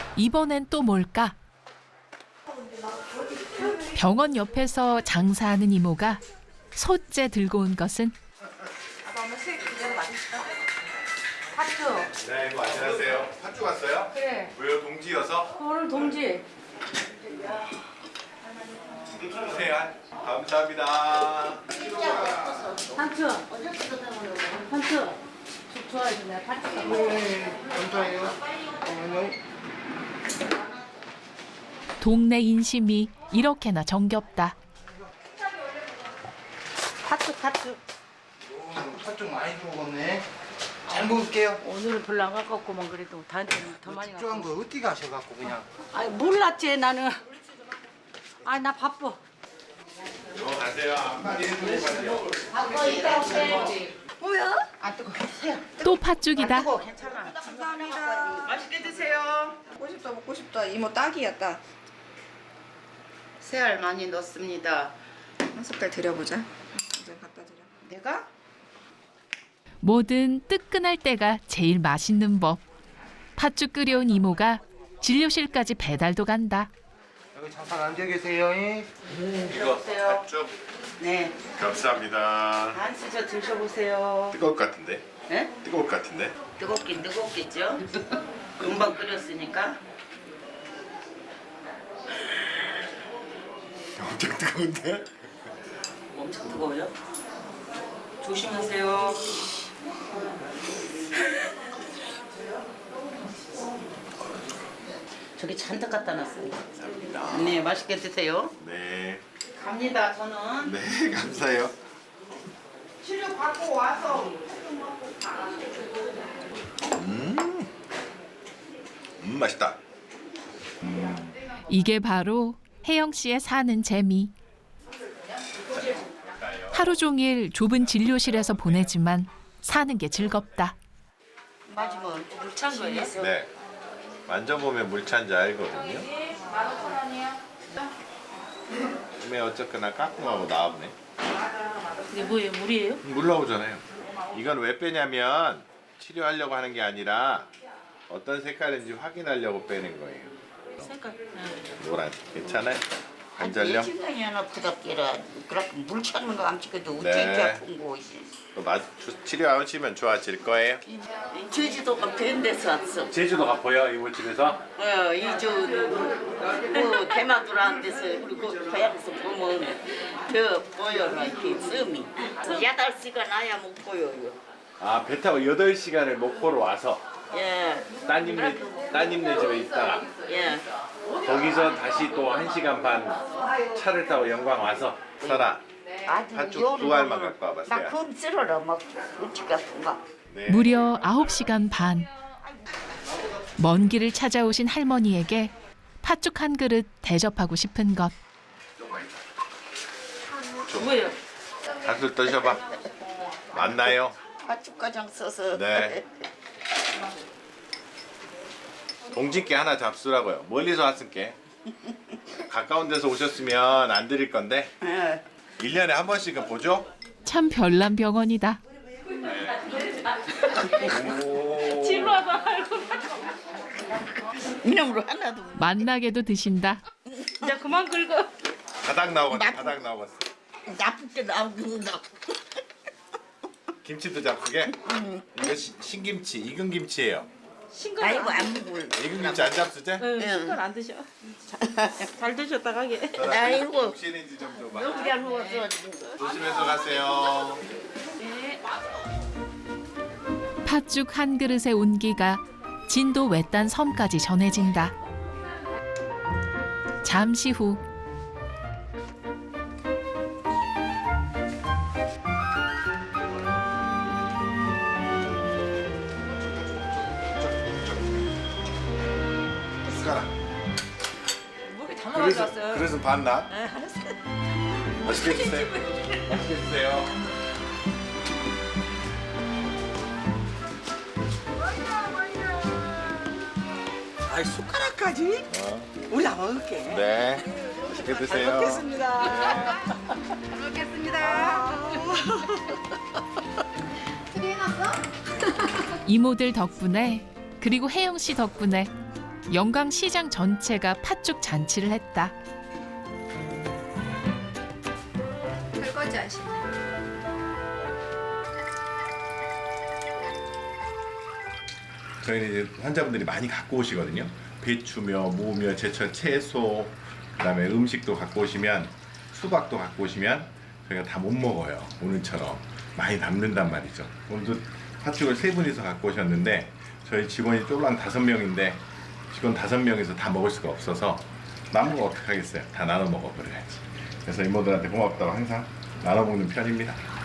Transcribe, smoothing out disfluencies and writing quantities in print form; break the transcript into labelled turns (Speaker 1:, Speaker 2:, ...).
Speaker 1: 이번엔 또 뭘까? 병원 옆에서 장사하는 이모가 솥째 들고 온 것은
Speaker 2: 팥죽.
Speaker 3: 네, 이거 안녕하세요. 팥죽 왔어요?
Speaker 2: 그래.
Speaker 3: 왜요? 동지여서?
Speaker 2: 오늘 동지.
Speaker 3: 네, 감사합니다.
Speaker 2: 한층. 한층. 죽 좋아해서 내가 팥죽 갖고.
Speaker 4: 감사해요.
Speaker 1: 동네 인심이 이렇게나 정겹다.
Speaker 2: 팥죽.
Speaker 4: 팥죽 많이 들어오겠네. 잘 먹을게요.
Speaker 2: 오늘은 별로 안 갖고 왔구만 그래도 다한테는 더 많이 갖고.
Speaker 4: 특조한 거 어디 가셔갖고 그냥.
Speaker 2: 아니 몰랐지 나는. 아 나 바빠.
Speaker 3: 가세요. 한마디 해주세요.
Speaker 2: 바빠 이따 올게.
Speaker 5: 뭐야? 안 뜨거.
Speaker 1: 또 팥죽이다.
Speaker 2: 괜찮아.
Speaker 5: 감사합니다. 맛있게 드세요. 먹고 싶다. 이모 딱이야 딱.
Speaker 6: 새알 많이 넣습니다.
Speaker 5: 한 숟갈 드려보자. 이제 갖다 드려.
Speaker 6: 내가?
Speaker 1: 뭐든 뜨끈할 때가 제일 맛있는 법. 팥죽 끓여온 이모가 진료실까지 배달도 간다.
Speaker 4: 여기 잠깐 앉아 계세요.
Speaker 3: 이거 팥죽
Speaker 6: 네.
Speaker 3: 감사합니다.
Speaker 6: 한 수저 드셔보세요.
Speaker 3: 뜨거울 것 같은데?
Speaker 6: 네?
Speaker 3: 뜨거울 것 같은데?
Speaker 6: 뜨겁긴 뜨겁겠죠? 금방 끓였으니까.
Speaker 3: 엄청 뜨거운데?
Speaker 6: 엄청 뜨거워요. 조심하세요. 저기 잔뜩 갖다 놨어요.
Speaker 3: 감사합니다.
Speaker 6: 네, 맛있게 드세요.
Speaker 3: 네.
Speaker 6: 갑니다, 저는.
Speaker 3: 네, 감사해요.
Speaker 6: 치료 받고 와서.
Speaker 3: 맛있다.
Speaker 1: 이게 바로 혜영 씨의 사는 재미. 하루 종일 좁은 진료실에서 보내지만 사는 게 즐겁다.
Speaker 6: 맞으면 물찬 거예요?
Speaker 3: 네. 만져보면 물 찬지 알거든요.
Speaker 2: 15,000원이요.
Speaker 3: 근데 어쨌거나 까꿍하고 나왔네.
Speaker 2: 이게 뭐예요? 물이에요?
Speaker 3: 물 나오잖아요. 이건 왜 빼냐면 치료하려고 하는 게 아니라 어떤 색깔인지 확인하려고 빼는 거예요.
Speaker 2: 색깔.
Speaker 3: 노란. 괜찮아요? 안 잘려?
Speaker 6: 심장이 하나 부닥기라 그렇게 물 찾는 거 안 찍어도
Speaker 3: 네.
Speaker 6: 어째 아픈 거.
Speaker 3: 또 치료하시면 좋아질 거예요.
Speaker 6: 제주도가 밴 데서 왔어.
Speaker 3: 제주도가 보여 이모집에서?
Speaker 6: 이주 대마도라는 데서 그리고 고향에서 보면 더 보여라 이렇게 씀이 8시간 아야 못 보여요.
Speaker 3: 아, 배 타고 8시간을 목포로 와서
Speaker 6: 예,
Speaker 3: 따님네 집에 있다가
Speaker 6: 예.
Speaker 3: 거기서 다시 또 1시간 반 차를 타고 영광 와서 살아. 팥죽 두 알만 갖고 와봤어요.
Speaker 6: 나 그건 쓸어라 막 어찌 같은 거.
Speaker 3: 네.
Speaker 1: 무려 9시간 반. 먼 길을 찾아오신 할머니에게 팥죽 한 그릇 대접하고 싶은 것.
Speaker 6: 뭐예요?
Speaker 3: 팥죽 드셔봐. 맞나요?
Speaker 6: 팥죽가장 써서.
Speaker 3: 네. 동진께 하나 잡수라고요. 멀리서 왔을게. 가까운 데서 오셨으면 안 드릴 건데
Speaker 6: 예.
Speaker 3: 1년에 한 번씩은 보죠?
Speaker 1: 참 별난 병원이다.
Speaker 6: 이놈으로 하나도.
Speaker 1: 만나게도 드신다.
Speaker 2: 이제 그만 긁어.
Speaker 3: 바닥 나오겠어. 바닥 나오겠어.
Speaker 6: 나쁘게 나오는다.
Speaker 3: 김치도 잡수게? 이거 신김치, 익은 김치예요.
Speaker 2: 싱글
Speaker 6: 아이고 안 먹을.
Speaker 3: 익은 김치 안 잡수지?
Speaker 2: 싱글 안 드셔. 잘 드셨다 가게.
Speaker 6: 아이고.
Speaker 3: 혹시는지 좀 줘봐.
Speaker 6: 여기 안 먹었어.
Speaker 3: 조심해서 가세요.
Speaker 1: 팥죽 한 그릇의 온기가 진도 외딴 섬까지 전해진다. 잠시 후
Speaker 3: 숟가락.
Speaker 2: 물이 다 나가져왔어요.
Speaker 3: 그래서 봤나? 맛있게 드세요. 맛있게 드세요.
Speaker 5: 아이 숟가락까지? 우리 다 먹을게.
Speaker 3: 네. 맛있게 드세요.
Speaker 5: 먹겠습니다. 잘 먹겠습니다.
Speaker 1: 이모들 덕분에 그리고 혜영 씨 덕분에 영광 시장 전체가 팥죽 잔치를 했다.
Speaker 5: 설거지 하시네.
Speaker 3: 저희는 이제 환자분들이 많이 갖고 오시거든요. 배추며 무며 제철 채소, 그다음에 음식도 갖고 오시면 수박도 갖고 오시면 저희가 다 못 먹어요. 오늘처럼 많이 남는단 말이죠. 오늘도 팥죽을 3분이서 갖고 오셨는데 저희 직원이 쫄랑 5명인데 직원 5명이서 다 먹을 수가 없어서 남은 거 어떡하겠어요. 다 나눠 먹어버려야지. 그래서 이모들한테 고맙다고 항상 나눠 먹는 편입니다.